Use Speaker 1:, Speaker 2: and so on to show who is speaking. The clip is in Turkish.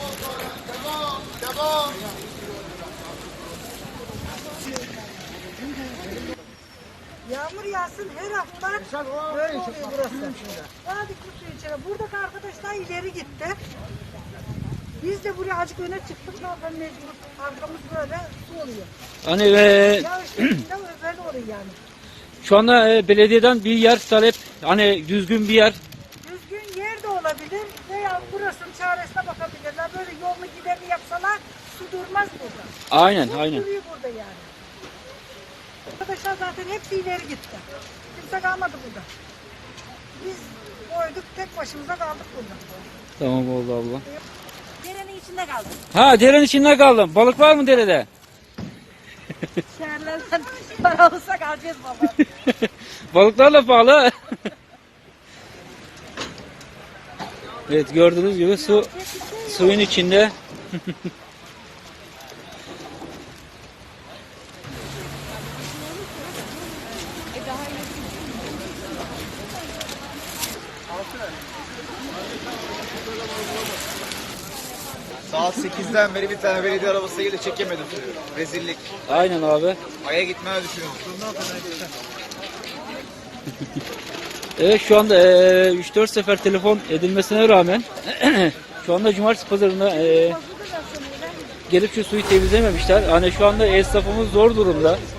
Speaker 1: Yağmur yağsın her hafta böyle oluyor burası. Hadi kutu içeri. Buradaki arkadaşlar ileri gitti. Biz de buraya azıcık öne çıktık. Ne yapalım mecbur. Arkamız böyle su oluyor.
Speaker 2: Hani
Speaker 1: Ya işte böyle oluyor yani.
Speaker 2: şu anda belediyeden bir yer talep, hani düzgün bir yer.
Speaker 1: Düzgün yer de olabilir veya burasının çaresine bakabilirler. Böyle yolunu giderini yapsalar su durmaz burada.
Speaker 2: Aynen,
Speaker 1: Su
Speaker 2: aynen.
Speaker 1: duruyor burada yani. Arkadaşlar zaten hepsi ileri gitti. Kimse kalmadı burada. Biz koyduk tek başımıza kaldık burada.
Speaker 2: Tamam oldu abla.
Speaker 1: Derenin içinde kaldık.
Speaker 2: Ha, derenin içinde kaldım. Balık var mı derede?
Speaker 1: Şehirlerden para olsak alacağız baba.
Speaker 2: Balıklarla pahalı. Evet, gördüğünüz gibi suyun içinde.
Speaker 3: Saat 8'den beri bir tane belediye arabası geldi çekemedim. Rezillik.
Speaker 2: Aynen abi.
Speaker 3: Ay'a gitmeyi düşünüyorum.
Speaker 2: Evet, şu anda 3-4 sefer telefon edilmesine rağmen şu anda cumartesi pazarında gelip şu suyu temizlememişler. Hani şu anda esnafımız zor durumda.